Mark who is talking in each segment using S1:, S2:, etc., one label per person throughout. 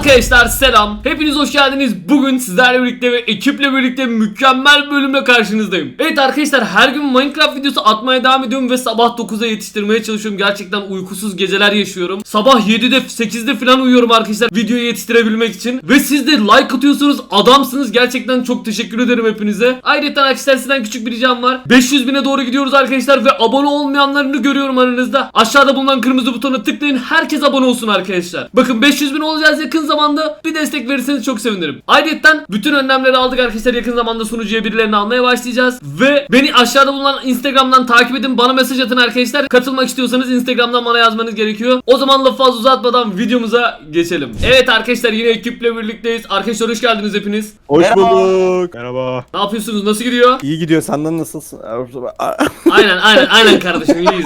S1: Arkadaşlar selam. Hepiniz hoş geldiniz. Bugün sizlerle birlikte ve ekiple birlikte mükemmel bir bölümle karşınızdayım. Evet arkadaşlar, her gün Minecraft videosu atmaya devam ediyorum ve sabah 9'a yetiştirmeye çalışıyorum. Gerçekten uykusuz geceler yaşıyorum. Sabah 7'de 8'de falan uyuyorum arkadaşlar videoyu yetiştirebilmek için. Ve siz de like atıyorsunuz, adamsınız. Gerçekten çok teşekkür ederim hepinize. Ayrıca arkadaşlar sizden küçük bir ricam var. 500 bine doğru gidiyoruz arkadaşlar ve abone olmayanlarını görüyorum aranızda. Aşağıda bulunan kırmızı butona tıklayın. Herkes abone olsun arkadaşlar. Bakın 500 bin olacağız yakın zamanda. Bir destek verirseniz çok sevinirim. Ayrıca bütün önlemleri aldık arkadaşlar. Yakın zamanda sunucuya birilerini almaya başlayacağız. Ve beni aşağıda bulunan Instagram'dan takip edin. Bana mesaj atın arkadaşlar. Katılmak istiyorsanız Instagram'dan bana yazmanız gerekiyor. O zaman lafı fazla uzatmadan videomuza geçelim. Evet arkadaşlar, yine ekiple birlikteyiz. Arkadaşlar hoş geldiniz hepiniz.
S2: Hoş
S3: Merhaba.
S2: bulduk. Merhaba.
S1: Ne yapıyorsunuz? Nasıl gidiyor?
S2: İyi gidiyor. Senden nasılsın?
S1: Aynen kardeşim, iyiyiz.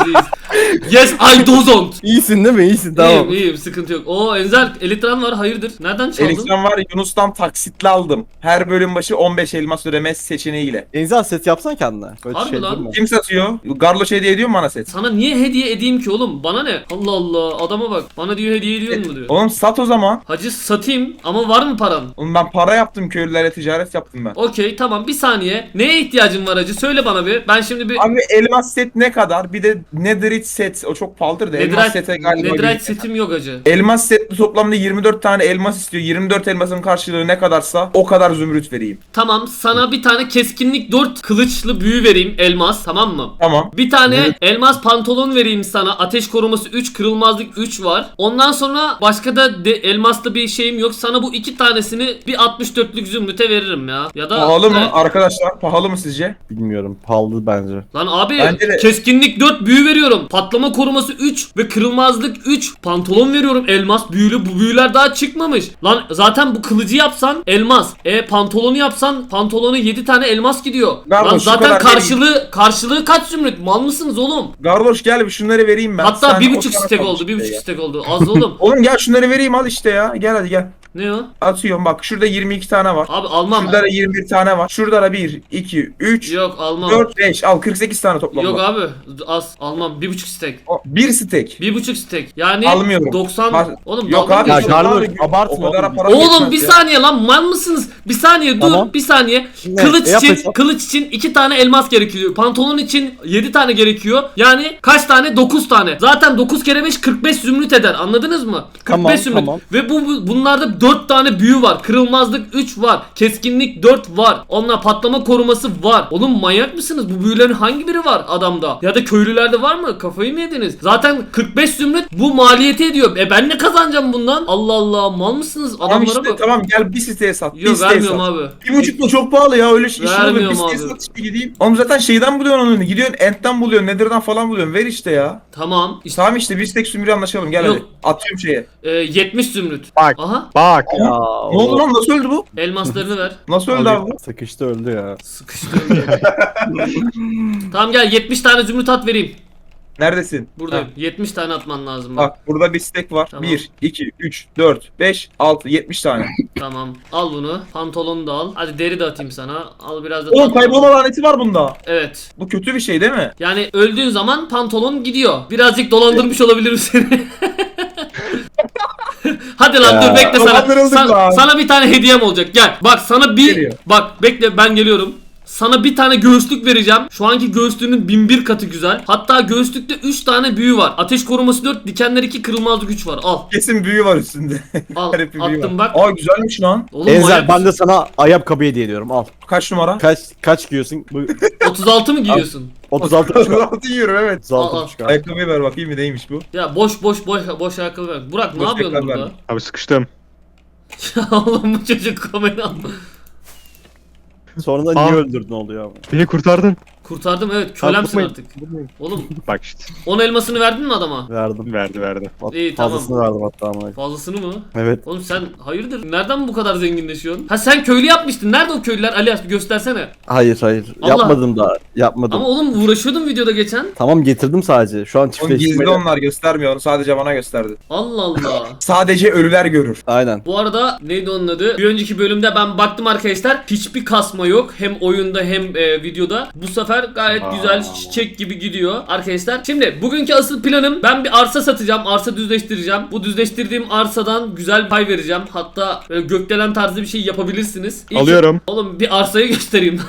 S1: Yes, I don't.
S2: İyisin değil mi? İyisin, tamam.
S1: İyiyim, sıkıntı yok. Oo Enzel, Elitran var, hayırdır? Nereden çaldın?
S3: Elektron var, Yunus'tan taksitle aldım. Her bölüm başı 15 elmas ödeme seçeneğiyle.
S2: Enzel set yapsan kendine. Böyle
S1: Harbi lan.
S2: değil mi?
S3: Kim satıyor? Garloş hediye ediyor mu bana set?
S1: Sana niye hediye edeyim ki oğlum? Bana ne? Allah Allah, adama bak. Bana diyor hediye ediyor mu diyor.
S3: Oğlum sat o zaman.
S1: Hacı satayım ama var mı paran?
S3: Oğlum ben para yaptım, köylülere ticaret yaptım ben.
S1: Okey tamam, bir saniye. Neye ihtiyacın var hacı? Söyle bana bir. Ben şimdi bir
S3: Abi elmas set ne kadar? Bir de netherite set. O çok pahalıdır da elmas sete galiba.
S1: Netherite
S3: 100.
S1: setim yok hacı.
S3: Elmas setli toplamda 24 tane elmas istiyor. 24 elmasın karşılığı ne kadarsa o kadar zümrüt vereyim.
S1: Tamam, sana bir tane keskinlik 4 kılıçlı büyü vereyim, elmas, tamam mı?
S3: Tamam.
S1: Bir tane elmas pantolon vereyim sana. Ateş koruması 3, kırılmazlık 3 var. Ondan sonra başka da elmaslı bir şeyim yok. Sana bu iki tanesini bir 64'lük zümrüte veririm ya. Ya da
S3: Pahalı mı arkadaşlar? Pahalı mı sizce?
S2: Bilmiyorum. Pahalı bence.
S1: Lan abi,
S3: Bence de.
S1: keskinlik 4 büyü veriyorum. Patlama koruması 3 ve kırılmazlık 3. Pantolon veriyorum elmas büyülü. Bu büyüler daha çıkmamış. Lan zaten bu kılıcı yapsan elmas. Pantolonu yapsan pantolonu 7 tane elmas gidiyor.
S3: Garloş,
S1: Lan
S3: şu
S1: zaten
S3: kadar
S1: karşılığı kaç zümrüt? Mal mısınız oğlum?
S3: Garloş gel bir şunları vereyim ben.
S1: Hatta
S3: Sen
S1: 1,5
S3: o tarafa
S1: stek
S3: bak
S1: oldu.
S3: işte
S1: 1,5
S3: ya.
S1: stek oldu. Az oğlum.
S3: Oğlum gel şunları vereyim al işte ya. Gel hadi gel.
S1: Ne o?
S3: Atıyorum bak şurada 22 tane var.
S1: Abi almam.
S3: Şurada da 21 tane var. Şurada da 1, 2, 3,
S1: Yok almam.
S3: 4, 5 al 48 tane toplam
S1: Yok
S3: var.
S1: abi az almam. 1,5 stek.
S3: Bir stek.
S1: 1,5 stek. Yani
S3: Almıyorum.
S1: 90.
S3: Var.
S1: Oğlum
S3: Yok
S1: dalga
S3: abi.
S1: mı
S2: Ya
S1: geçiyorsun?
S2: Garloş,
S3: O
S2: abartma
S3: kadar
S2: oğlum.
S3: para
S1: Oğlum
S3: geçmez
S1: bir
S3: ya.
S1: saniye lan, mal mısınız? Bir saniye dur,
S2: Tamam.
S1: bir saniye.
S2: Ne?
S1: Kılıç
S2: Yap
S1: için
S2: hesap.
S1: 2 tane elmas gerekiyor. Pantolon için 7 tane gerekiyor. Yani kaç tane? 9 tane. Zaten 9 kere 5 45 zümrüt eder. Anladınız mı? 45
S2: Tamam,
S1: zümrüt.
S2: tamam.
S1: Ve bunlarda 4 tane büyü var. Kırılmazlık 3 var. Keskinlik 4 var. Onunla patlama koruması var. Oğlum manyak mısınız? Bu büyülerin hangi biri var adamda? Ya da köylülerde var mı? Kafayı mı yediniz? Zaten 45 zümrüt bu maliyeti ediyor. Ben ne kazanacağım bundan? Allah Allah, mal mısınız?
S3: Tamam
S1: Adamlara
S3: işte
S1: bak.
S3: tamam gel bir siteye sat. Bir
S1: Yok
S3: siteye
S1: vermiyorum
S3: sat.
S1: abi.
S3: 1,5 da çok pahalı ya öyle işin olur. Bir
S1: Vermiyorum
S3: siteye
S1: abi.
S3: sat işte gideyim. Oğlum zaten şeyden buluyorsun onu. Gidiyorsun Ent'ten buluyorsun. Nether'dan falan buluyorsun. Ver işte ya.
S1: Tamam. İşte
S3: Tamam işte bir stek sümürü anlaşalım gel
S1: Yok.
S3: hadi. Atıyorum şeye.
S1: 70 zümrüt.
S2: Bak.
S1: Aha,
S2: Bak ya.
S3: Ne oldu lan nasıl öldü bu?
S1: elmaslarını ver.
S3: Nasıl öldü abi bu?
S2: Sıkıştı öldü ya.
S1: Sıkıştı. Tamam gel, 70 tane zümrüt at vereyim.
S3: Neredesin?
S1: Buradayım.
S3: Ha.
S1: 70 tane atman lazım bak.
S3: Bak burada bir stek var.
S1: Tamam.
S3: 1, 2, 3, 4, 5, 6, 70 tane.
S1: Tamam. Al bunu. Pantolonu da al. Hadi deri de atayım sana. Al biraz da
S3: Oğlum
S1: tatlı.
S3: kaybolma laneti var bunda.
S1: Evet.
S3: Bu kötü bir şey değil mi?
S1: Yani öldüğün zaman pantolon gidiyor. Birazcık dolandırmış olabilirim seni. Hadi lan
S2: Ya.
S1: dur bekle sana.
S3: Dolandırıldık lan.
S1: Sana bir tane hediyem olacak. Gel. Bak sana bir
S3: Geliyor.
S1: bak bekle, ben geliyorum. Sana bir tane göğüslük vereceğim. Şu anki göğüslüğünün 1001 katı güzel. Hatta göğüslükte 3 tane büyü var. Ateş koruması 4, dikenler 2, kırılmazlık 3 var. Al.
S3: Kesin büyü var üstünde.
S1: Al.
S3: Garip bir büyü
S1: Attım
S3: var.
S1: bak.
S3: Aa güzelmiş lan.
S1: Oğlum
S2: Enzel
S1: manyak
S2: ben de
S1: mısın?
S2: sana ayakkabı hediye ediyorum. Al.
S3: Kaç numara?
S2: Kaç giyiyorsun? Bu
S1: 36 mı giyiyorsun?
S2: 36
S3: 36 yiyorum evet.
S2: 36
S1: Al, al.
S2: buçuk abi.
S3: Ayakkabıyı ver bakayım bir neymiş bu.
S1: Ya boş ayakkabı ver. Burak ne
S3: Boş
S1: yapıyorsun
S3: ayakkabı
S1: burada?
S3: ver.
S4: Abi sıkıştım.
S1: Ya oğlum bu çocuk kamera alma.
S2: Sonra da niye öldürdün oluyor ama.
S4: Beni kurtardın.
S1: Kurtardım evet, kölemsin
S2: Vurmayın,
S1: artık.
S2: vurmayın.
S1: Oğlum
S4: Bak işte.
S1: 10 elmasını verdin mi adama?
S2: Verdim.
S4: Verdi.
S1: İyi, tamam.
S2: Fazlasını verdim hatta ama.
S1: Fazlasını mı?
S2: Evet.
S1: Oğlum sen hayırdır? Nereden bu kadar zenginleşiyorsun? Ha sen köylü yapmıştın. Nerede o köylüler? Alias bir göstersene.
S2: Hayır.
S1: Allah.
S2: Yapmadım daha. Yapmadım.
S1: Ama oğlum uğraşıyordun videoda geçen.
S2: Tamam getirdim sadece. Şu an
S3: Oğlum gizli
S2: çiftleştirmeyle.
S3: onlar göstermiyor onu sadece bana gösterdi.
S1: Allah Allah.
S3: Sadece ölüler görür.
S2: Aynen.
S1: Bu arada neydi onun adı? Bir önceki bölümde ben baktım arkadaşlar. Hiçbir kasma yok. Hem oyunda hem videoda. Bu sefer işler gayet güzel, çiçek gibi gidiyor arkadaşlar. Şimdi bugünkü asıl planım, ben bir arsa satacağım, arsa düzleştireceğim. Bu düzleştirdiğim arsadan güzel pay vereceğim. Hatta böyle gökdelen tarzı bir şey yapabilirsiniz.
S4: Alıyorum.
S1: Oğlum bir arsayı göstereyim.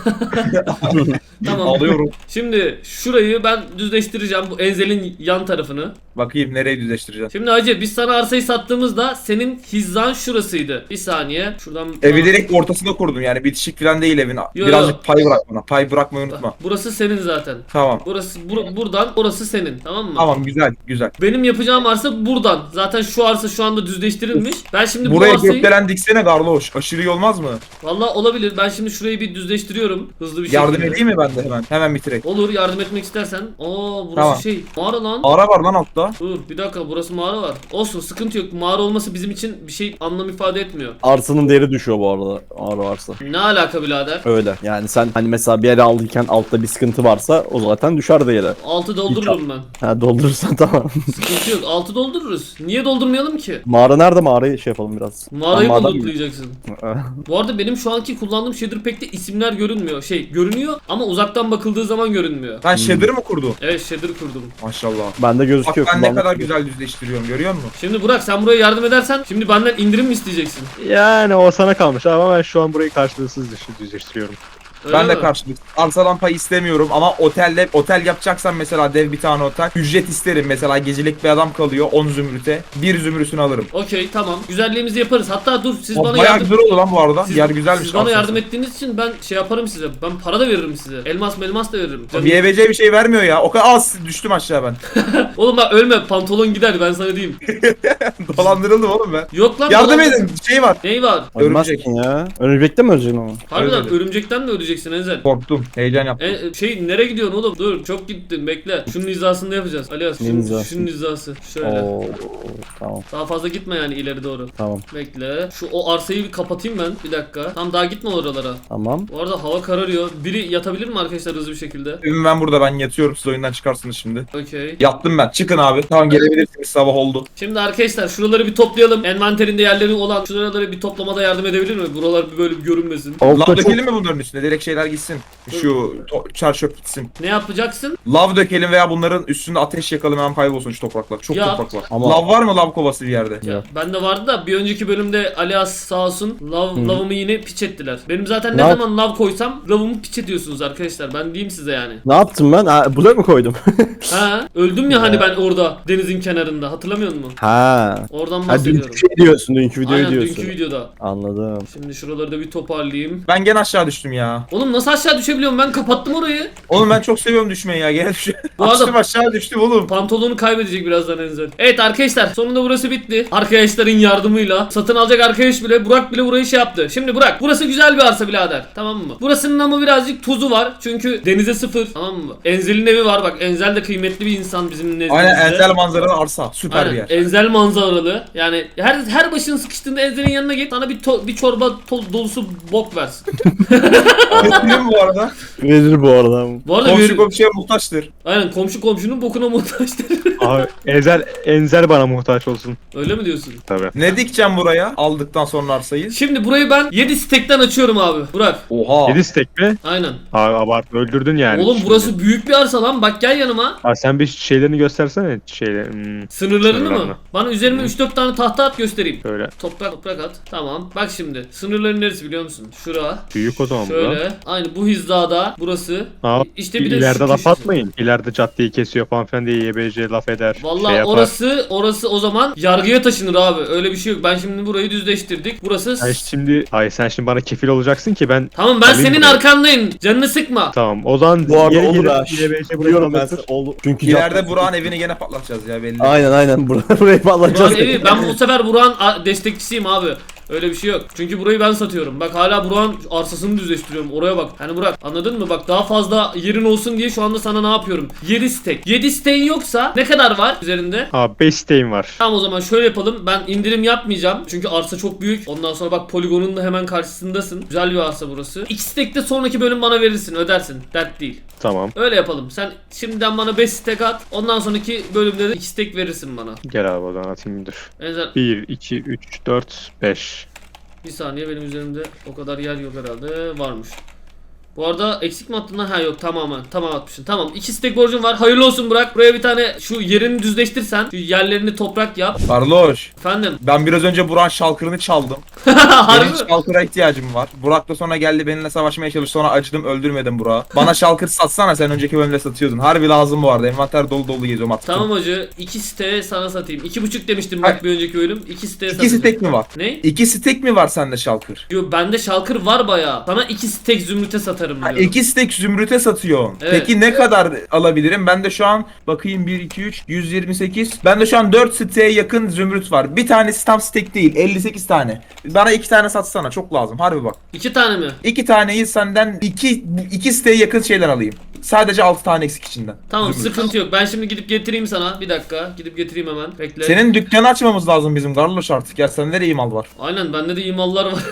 S1: Tamam.
S3: Alıyorum.
S1: Şimdi şurayı ben düzleştireceğim, bu Enzel'in yan tarafını.
S3: Bakayım nereye düzleştireceğim.
S1: Şimdi hacı biz sana arsayı sattığımızda senin hizan şurasıydı. Bir saniye şuradan.
S3: Evi direkt ortasında kurdum yani bitişik falan değil evin.
S1: Yo,
S3: Birazcık pay bırak bana. Pay bırakmayı unutma.
S1: Burası senin zaten.
S3: Tamam.
S1: Burası buradan orası senin, tamam mı?
S3: Tamam güzel güzel.
S1: Benim yapacağım arsa buradan. Zaten şu arsa şu anda düzleştirilmiş. Ben şimdi
S3: Buraya
S1: bu arsayı
S3: gökdelen diksene Garloş. Aşırı iyi olmaz mı?
S1: vallahi olabilir. Ben şimdi şurayı bir düzleştiriyorum hızlı bir şekilde.
S3: Yardım edeyim mi ben de hemen? Hemen bitirek.
S1: Olur, yardım etmek istersen. Burası
S3: Tamam.
S1: mağara lan.
S3: Ara var lan altta.
S1: Dur bir dakika, burası mağara var. Olsun, sıkıntı yok. Mağara olması bizim için bir şey anlam ifade etmiyor.
S2: Arsanın değeri düşüyor bu arada. Ağır varsa.
S1: Ne alaka birader?
S2: Öyle. Yani sen hani mesela bir yere aldıyken altta bir sıkıntı varsa o zaten düşer değeri.
S1: Altı doldururum ben.
S2: Ha doldurursan tamam.
S1: Sıkıntı yok. Altı doldururuz. Niye doldurmayalım ki?
S2: Mağara nerede? Mağarayı şey yapalım biraz.
S1: Mağarayı mı
S2: Maden mi?
S1: lootlayacaksın? Bu arada benim şu anki kullandığım shader pack'te isimler görünmüyor. Görünüyor ama uzaktan bakıldığı zaman görünmüyor.
S3: Ben shader'ı mı kurdum?
S1: Evet, shader kurdum.
S3: Maşallah.
S2: Bende
S3: Bak
S2: gözüküyor.
S3: ben ne
S2: kullanmak
S3: kadar
S2: için.
S3: güzel düzleştiriyorum görüyor musun?
S1: Şimdi Burak, sen buraya yardım edersen şimdi benden indirim mi isteyeceksin?
S4: Yani o sana kalmış ama ben şu an burayı karşılıksız düzleştiriyorum.
S1: Öyle
S3: Ben de
S1: mi?
S3: karşılık. Arsadan pay istemiyorum ama otel yapacaksan mesela dev bir tane otel. Ücret isterim mesela gecelik bir adam kalıyor 10 zümrüte. 1 zümrütünü alırım.
S1: Okey, tamam. Güzelliğimizi yaparız. Hatta dur, siz bana
S3: Bayağı
S1: yardım...
S3: güzel oldu lan bu arada. Yer güzelmiş.
S1: Siz bana
S3: aslında.
S1: yardım ettiğiniz için ben şey yaparım size. Ben para da veririm size. Elmas da veririm. Canım-
S3: Bir EBC bir şey vermiyor ya. O kadar az düştüm aşağı ben.
S1: Oğlum bak, ölme, pantolon gider, ben sana diyeyim.
S3: Dolandırıldım oğlum ben.
S1: Yok lan.
S3: Yardım
S1: dolan-
S3: edin. Şey var.
S1: Neyi var?
S2: Ölmezsin ya. Örümcekte mi öleceksin ama?
S1: Harbiden
S3: Öyle.
S1: örümcekten mi öleceksin Enzel?
S3: Korktum. Heyecan yaptım.
S1: Nereye gidiyorsun oğlum? Dur, çok gittin, bekle. Şunun hizasında yapacağız. Alias,
S2: Ne
S1: şunun,
S2: hizası?
S1: şunun hizası. Şöyle.
S2: Oo, tamam
S1: Daha fazla gitme yani ileri doğru.
S2: tamam
S1: Bekle. O arsayı bir kapatayım ben. Bir dakika. Tam daha gitme oralara.
S2: tamam.
S1: Bu arada hava kararıyor. Biri yatabilir mi arkadaşlar hızlı bir şekilde?
S3: Evim ben burada ben yatıyorum. Siz oyundan çıkarsınız şimdi.
S1: Okey.
S3: Yattım ben. Çıkın abi. Tamam gelebilirsiniz. Sabah oldu.
S1: Şimdi arkadaşlar şuraları bir toplayalım. Envanterinde yerleri olan şuraları bir toplamada yardım edebilir mi? Buralar bir böyle bir görünmesin.
S3: Lav
S2: Altta çok
S3: dökelim mi bunların üstüne? Direkt şeyler gitsin. Şu çar çöp gitsin.
S1: Ne yapacaksın?
S3: Lav dökelim veya bunların üstünde ateş yakalım hemen kaybolsun şu topraklar. Çok
S1: Ya.
S3: toprak var.
S2: Ama-
S3: Lav var mı lav kovası bir yerde?
S2: Yok.
S1: Bende vardı da bir önceki bölümde Alias sağ olsun lavımı yine piç ettiler. Benim zaten ne
S2: Ne
S1: zaman lav koysam lavımı piç ediyorsunuz arkadaşlar. Ben diyeyim size yani.
S2: Ne yaptım ben? Ha, blok mu koydum?
S1: Ha, öldüm ya hani ben orada denizin kenarında, hatırlamıyor musun?
S2: ha.
S1: Oradan
S2: Ha
S1: bahsediyorum.
S2: dünkü şey diyorsun, dünkü videoyu
S1: Aynen,
S2: diyorsun.
S1: dünkü videoda.
S2: Anladım.
S1: Şimdi şuraları da bir toparlayayım.
S3: Ben gene aşağı düştüm ya.
S1: Oğlum nasıl aşağı düşebiliyorum, ben kapattım orayı.
S3: Oğlum ben çok seviyorum düşmeyi ya. Gene düşüyorum.
S1: Bu arada-
S3: Açtım aşağı düştüm oğlum.
S1: Pantolonu kaybedecek birazdan Enzel. Evet arkadaşlar, sonunda burası bitti. Arkadaşların yardımıyla. Satın alacak arkadaş bile, Burak bile burayı şey yaptı. Şimdi Burak, burası güzel bir arsa birader. Tamam mı? Burasının ama birazcık tuzu var. Çünkü denize sıfır. Tamam mı? Enzel'in evi var bak. Enzel de kıymetli bir insan bizim nezdimizde.
S3: Aynen enzel manzaralı arsa. Süper
S1: Aynen,
S3: bir yer.
S1: Enzel manzaralı. Yani her başın sıkıştığında Enzel'in yanına git. Sana bir çorba dolusu bok versin.
S3: Getireyim bu arada.
S2: Verir bu arada.
S1: Bu arada
S3: Komşu komşuya muhtaçtır.
S1: aynen, komşu komşunun bokuna muhtaçtır.
S4: Abi Enzel bana muhtaç olsun.
S1: Öyle mi diyorsun?
S4: Tabii.
S3: Ne dikeceğim buraya aldıktan sonra arsayı?
S1: Şimdi burayı ben 7 stekten açıyorum abi. Burak.
S3: Oha.
S4: 7 stek mi?
S1: Aynen.
S4: Abi abart öldürdün yani.
S1: Oğlum
S4: şimdi.
S1: burası büyük bir arsa lan. Bak gel yanıma.
S4: Abi sen bir şeylerini göstersene.
S1: Sınırlarını mı?
S4: Sınırlarını.
S1: Bana üzerime 3-4 tane tahta at göstereyim.
S4: Şöyle.
S1: Toprak at. Tamam. Bak şimdi. Sınırların neresi biliyor musun? Şura.
S4: Büyük o zaman bu da.
S1: Şöyle. Aynı bu hizada. Burası.
S4: Abi,
S1: İşte bir de
S4: ileride
S1: şu
S4: laf
S1: köşesi.
S4: atmayın. İleride caddeyi kesiyor falan filan diye YBC laf eder.
S1: Vallahi
S4: şey yapar.
S1: orası o zaman yargıya taşınır abi. Öyle bir şey yok. Ben şimdi burayı düzleştirdik. Burası
S4: Sen şimdi bana kefil olacaksın ki ben
S1: Tamam, ben
S4: Alayım
S1: senin
S4: burayı.
S1: arkandayım. Canını sıkma.
S4: tamam. O zaman
S2: Bu arada
S4: yeri
S2: olur
S4: gelip
S2: ha.
S4: YBC buraya
S2: Biliyorum ben.
S4: anlatır.
S2: Oldu. Çünkü
S3: İleride Burak'ın evini gene patlatacağız ya belli.
S2: Aynen. Burayı patlatacağız.
S1: Burak'ın evi. Ben bu sefer Burak'ın destekçisiyim abi. Öyle bir şey yok. Çünkü burayı ben satıyorum. Bak hala Burak'ın arsasını düzleştiriyorum. Oraya bak. Hani Burak, anladın mı? Bak daha fazla yerin olsun diye şu anda sana ne yapıyorum? 7 stek. 7 steğin yoksa ne kadar var üzerinde?
S4: Abi 5 isteğim var.
S1: Tamam, o zaman şöyle yapalım. Ben indirim yapmayacağım. Çünkü arsa çok büyük. Ondan sonra bak, poligonun da hemen karşısındasın. Güzel bir arsa burası. 2 stek de sonraki bölüm bana verirsin. Ödersin. Dert değil.
S4: Tamam.
S1: Öyle yapalım. Sen şimdiden bana 5 stek at. Ondan sonraki bölümde de 2 stek verirsin bana.
S4: Gel abi o zaman atayım dur.
S1: Enzel,
S4: 1, 2, 3, 4, 5.
S1: bir saniye, benim üzerimde o kadar yer yok herhalde. Varmış. Bu arada eksik mi attın lan? Ha yok, tamam atmışsın. Tamam, 2 stek borcum var. Hayırlı olsun Burak. Buraya bir tane şu yerini düzleştirsen. Şu yerlerini toprak yap.
S3: Karloş.
S1: Efendim.
S3: Ben biraz önce Burak'ın şalkırını çaldım.
S1: Harbi
S3: Benim
S1: mi?
S3: şalkıra ihtiyacım var. Burak da sonra geldi benimle savaşmaya çalıştı. Sonra acıdım, öldürmedim Burak'ı. Bana şalkır satsana, sen önceki bölümde satıyordun. Harbi lazım bu arada. Envanter dolu dolu geziyorum attım.
S1: Tamam hacı. 2 siteye sana satayım. 2,5 demiştim bak
S3: Hayır.
S1: bir önceki bölüm. 2 siteye
S3: 2
S1: satacağım.
S3: stek mi var?
S1: Ne?
S3: 2 stek mi var sende şalkır?
S1: Yo, bende şalkır var bayağı. Sana 2 stek zümrüte satarım diyorum.
S3: 2 stek zümrüte satıyorsun.
S1: Evet.
S3: Peki ne kadar alabilirim? Bende şu an bakayım 1 2 3 128. Bende şu an 4 siteye yakın zümrüt var. Bir tanesi tam stek değil, 58 tane. Bana 2 tane satsana, çok lazım. Harbi bak.
S1: 2 tane mi?
S3: 2 taneyi senden 2 siteye yakın şeyler alayım. Sadece 6 tane eksik içinden.
S1: Tamam,
S3: Zümrüt.
S1: sıkıntı yok. Ben şimdi gidip getireyim sana. Bir dakika. Gidip getireyim hemen. Bekle.
S3: Senin dükkanı açmamız lazım bizim Garloş artık. Ya sende nereye mal var?
S1: Aynen, bende de iyi mallar var.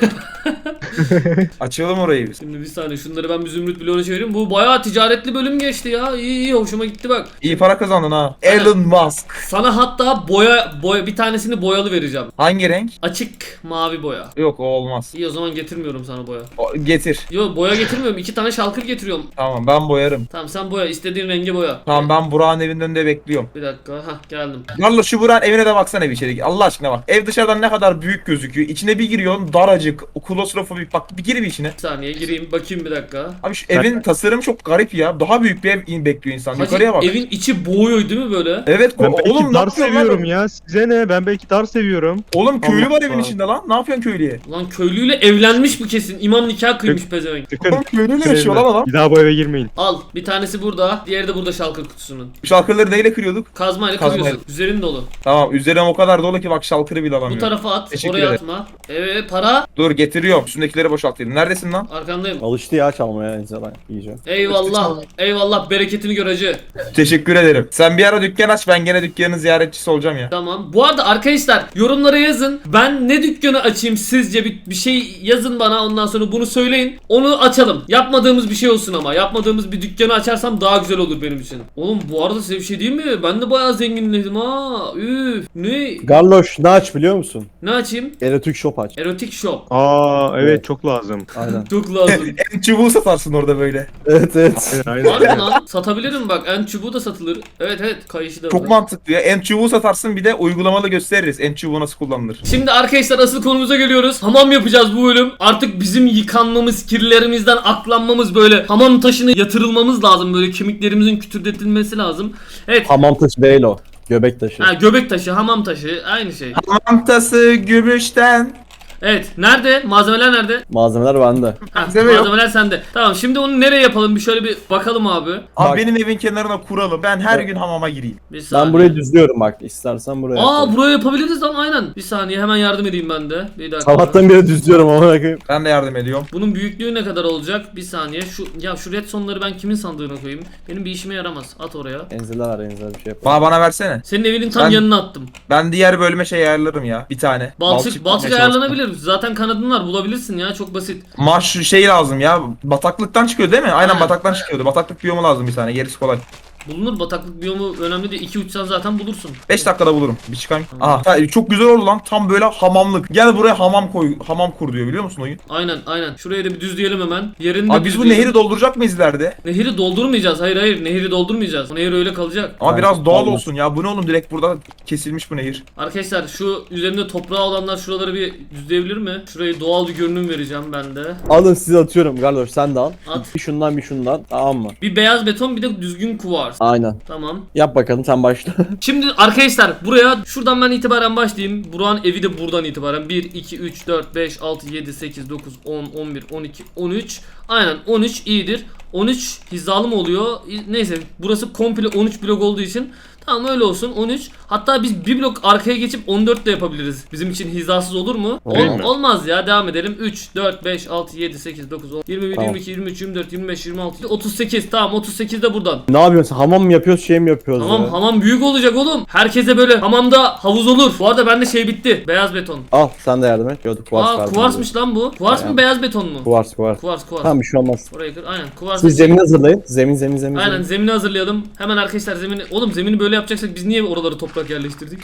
S3: Açalım orayı biz.
S1: Şimdi bir saniye, şunları ben bir zümrüt bloğuna çevireyim. Bu bayağı ticaretli bölüm geçti ya. İyi hoşuma gitti bak.
S3: İyi para kazandın ha.
S1: Aynen.
S3: Elon Musk.
S1: Sana hatta boya bir tanesini boyalı vereceğim.
S3: Hangi renk?
S1: Açık mavi boya.
S3: Yok, o olmaz.
S1: İyi, o zaman getirmiyorum sana boya.
S3: Getir.
S1: Yo, boya getirmiyorum. 2 tane şalkır getiriyorum.
S3: Tamam, ben boyarım.
S1: Tamam, sen boya. İstediğin rengi boya.
S3: Tamam, ben Burak'ın evinin önünde bekliyorum.
S1: Bir dakika. Hah, geldim.
S3: Garloş, şu Burak'ın evine de baksana bir içeri. Allah aşkına bak. Ev dışarıdan ne kadar büyük gözüküyor. İçine bir giriyorsun, daracık. Klostrofobik. Bak bir gir bir içine.
S1: Bir saniye gireyim bakayım bir dakika.
S3: Abi şu evin tasarımı çok garip ya. Daha büyük bir ev bekliyor insan.
S1: Hacı,
S3: Yukarıya bak.
S1: evin içi boğuyor değil mi böyle?
S3: Evet
S4: Ben belki
S3: oğlum ne
S4: dar
S3: yapıyorsun
S4: seviyorum
S3: lan?
S4: ya. Size ne? Ben belki dar seviyorum.
S3: Oğlum köylü
S4: Allah
S3: var evin
S4: Allah.
S3: içinde lan. Ne yapıyorsun köylüye?
S1: Lan köylüyle evlenmiş bu kesin. İmam nikah kıymış pezevenk.
S4: Çıkın.
S3: Oğlum köylüyle yaşıyor lan adam.
S4: Bir daha bu eve girmeyin.
S1: Al, bir tanesi burada, diğeri de burada şalkır kutusunun.
S3: Şalkırları neyle kırıyorduk?
S1: Kazmayla
S3: Kazmayla.
S1: kırıyorsun. Üzerin dolu.
S3: Tamam, üzerine o kadar dolu ki bak şalkırı bile
S1: Bu
S3: alamıyorum.
S1: tarafa at,
S3: Teşekkür
S1: oraya
S3: ederim.
S1: atma. Evet, para.
S3: Dur getiriyorum. Üstündekileri boşaltayım. Neredesin lan?
S1: Arkandayım.
S2: Alıştı ya çalmaya insanlar iyice.
S1: Eyvallah. Eyvallah, bereketini gör hacı.
S3: Teşekkür ederim. Sen bir ara dükkan aç, ben gene dükkanın ziyaretçisi olacağım ya.
S1: Tamam. Bu arada arkadaşlar, yorumlara yazın. Ben ne dükkanı açayım sizce, bir şey yazın bana, ondan sonra bunu söyleyin. Onu açalım. Yapmadığımız bir şey olsun ama. Yapmadığımız bir dükkanı açarsam daha güzel olur benim için. Oğlum bu arada size bir şey diyeyim mi? Ben de bayağı zenginledim ha. Üf. Ne?
S2: Garloş ne aç biliyor musun?
S1: Ne açayım?
S2: Erotik shop aç.
S1: Erotik shop.
S4: Aa evet, çok lazım.
S2: Aynen.
S1: Çok lazım.
S3: En çubuğu satarsın orada böyle.
S2: Evet evet.
S4: Aynen.
S1: Var mı lan? Satabilirim bak. En çubuğu da satılır. Evet, kayışı da
S3: Çok
S1: var.
S3: mantıklı ya. En çubuğu satarsın, bir de uygulamalı gösteririz. En çubuğu nasıl kullanılır.
S1: Şimdi arkadaşlar asıl konumuza geliyoruz. Hamam yapacağız bu bölüm. Artık bizim yıkanmamız, kirlerimizden aklanmamız, böyle hamam taşına yatırılmamız lazım. Böyle kemiklerimizin kütürdetilmesi lazım. Evet.
S2: Hamam taşı değil o. Göbek taşı.
S1: Ha, göbek taşı, hamam taşı aynı şey.
S3: Mantası gümüşten.
S1: Evet. Nerede? Malzemeler nerede?
S2: Malzemeler bende.
S1: Ha,
S3: Malzeme yok.
S1: malzemeler sende. Tamam, şimdi onu nereye yapalım? Bir şöyle bir bakalım abi.
S3: Abi
S2: Bak.
S3: benim evin kenarına kuralım. Ben her gün hamama gireyim.
S1: Bir saniye.
S2: Ben burayı düzlüyorum bak. İstersen buraya.
S1: Aa,
S2: yapalım.
S1: buraya yapabiliriz lan, aynen. Bir saniye, hemen yardım edeyim ben de. Bir dakika.
S2: Sabahtan beri düzlüyorum ama koyayım.
S3: Ben de yardım ediyorum.
S1: Bunun büyüklüğü ne kadar olacak? Bir saniye. Şu redstone'ları ben kimin sandığına koyayım? Benim bir işime yaramaz. At oraya.
S2: Enzeler var enzeler bir şey yap.
S3: Bana versene.
S1: Senin evinin tam
S3: Ben-
S1: yanına attım.
S3: Ben diğer bölüme şey ayarlarım ya. Bir tane.
S1: Balçık
S3: almaya
S1: ayarlanabilir. Zaten kanadın var, bulabilirsin ya, çok basit.
S3: Maş şey lazım ya. Bataklıktan çıkıyor değil mi? Aynen
S1: Ha.
S3: bataktan çıkıyordu. Bataklık biyomu lazım bir tane. Gerisi kolay.
S1: Bulunur, bataklık biyomu önemli değil. 2 uçsan zaten bulursun.
S3: 5 dakikada bulurum. Bir çıkayım. Aha çok güzel oldu lan. Tam böyle hamamlık. Gel buraya hamam koy. Hamam kur diyor, biliyor musun oyun?
S1: Aynen. Şuraya da bir düzleyelim hemen. Yerini de
S3: Abi biz bu
S1: düzleyelim.
S3: nehri dolduracak mıyız ileride?
S1: Nehri doldurmayacağız. Hayır. Nehri doldurmayacağız. O nehir öyle kalacak.
S3: Ama
S2: Ben-
S3: biraz doğal
S2: Olmaz.
S3: olsun ya. Bu ne oğlum, direkt burada kesilmiş bu nehir.
S1: Arkadaşlar, şu üzerinde toprağı olanlar şuraları bir düzleyebilir mi? Şurayı doğal bir görünüm vereceğim ben de.
S2: Alın size atıyorum Garloş sen de al.
S1: At.
S2: Bir şundan bir şundan tamam mı?
S1: Bir beyaz beton, bir de düzgün kuvars.
S2: Aynen.
S1: Tamam.
S2: Yap bakalım sen başla.
S1: Şimdi arkadaşlar, buraya şuradan ben itibaren başlayayım. Burak'ın evi de buradan itibaren. 1, 2, 3, 4, 5, 6, 7, 8, 9, 10, 11, 12, 13. Aynen, 13 iyidir. 13 hizalı mı oluyor? Neyse, burası komple 13 blok olduğu için tamam, öyle olsun. 13. Hatta biz bir blok arkaya geçip 14 de yapabiliriz. Bizim için hizasız olur mu?
S2: Olur mu?
S1: Olmaz ya, devam edelim. 3, 4, 5, 6, 7, 8, 9, 10, 21,
S2: Tamam.
S1: 22, 23, 24, 25, 26, 38. Tamam, 38 de buradan.
S2: Ne yapıyorsun? Hamam mı yapıyoruz şey mi yapıyoruz?
S1: Tamam,
S2: ya?
S1: hamam büyük olacak oğlum. Herkese böyle hamamda havuz olur. Bu arada bende şey bitti. Beyaz beton.
S2: Al sen de yardım et. Gördük kuvars
S1: Aa,
S2: verdim
S1: kuvarsmış lan bu. Kuvars mı,
S2: Aynen.
S1: beyaz beton mu?
S2: Kuvars.
S1: Kuvars.
S2: Tamam bir şey olmaz.
S1: Orayı kır. Aynen, kuvars.
S2: Siz zemin hazırlayın. Zemin.
S1: Aynen, zemini hazırlayalım. Hemen arkadaşlar, zemini. Oğlum, zemini böyle yapacaksak biz niye oraları toprak yerleştirdik?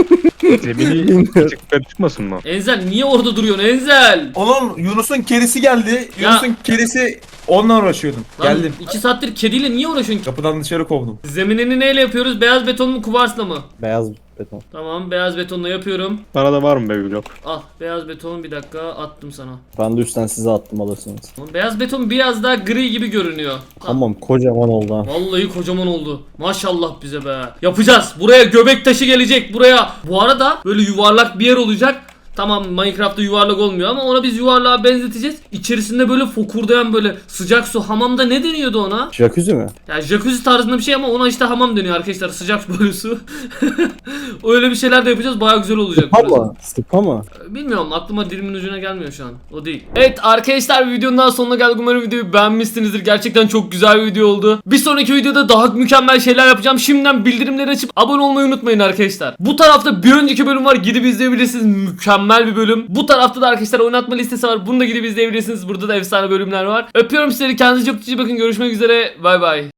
S4: Zemini küçük yukarı çıkmasın mı?
S1: Enzel, niye orada duruyorsun Enzel?
S3: Oğlum Yunus'un kerisi geldi.
S1: Ya.
S3: Yunus'un kerisi Onunla uğraşıyordum.
S1: Lan
S3: Geldim.
S1: 2 saattir kediyle niye uğraşıyorsun?
S3: Kapıdan dışarı kovdum.
S1: Zeminini neyle yapıyoruz? Beyaz beton mu kuvarsla mı?
S2: Beyaz beton.
S1: Tamam beyaz betonla yapıyorum.
S4: Bana da var mı be blok?
S1: Al beyaz beton bir dakika attım sana.
S2: Ben de üstten size attım alırsınız.
S1: Tamam, beyaz beton biraz daha gri gibi görünüyor.
S2: Tamam kocaman oldu ha.
S1: Vallahi kocaman oldu. Maşallah bize be. Yapacağız. Buraya göbek taşı gelecek buraya. Bu arada böyle yuvarlak bir yer olacak. Tamam Minecraft'ta yuvarlak olmuyor ama ona biz yuvarlığa benzeteceğiz. İçerisinde böyle fokurdayan böyle sıcak su, hamamda ne deniyordu ona?
S2: Jacuzzi mi?
S1: Ya jacuzzi tarzında bir şey ama ona işte hamam deniyor arkadaşlar. Sıcak böyle su. Öyle bir şeyler de yapacağız. Baya güzel olacak burası.
S2: Ama sıpa mı?
S1: Bilmiyorum, aklıma dilimin ucuna gelmiyor şu an. O değil. Evet arkadaşlar, videonun daha sonuna geldik. Umarım videoyu beğenmişsinizdir. Gerçekten çok güzel bir video oldu. Bir sonraki videoda daha mükemmel şeyler yapacağım. Şimdiden bildirimleri açıp abone olmayı unutmayın arkadaşlar. Bu tarafta bir önceki bölüm var. Gidip izleyebilirsiniz. Mükemmel bir bölüm. Bu tarafta da arkadaşlar oynatma listesi var. Bunu da gidip izleyebilirsiniz. Burada da efsane bölümler var. Öpüyorum sizleri. Kendinize çok iyi bakın. Görüşmek üzere. Bay bay.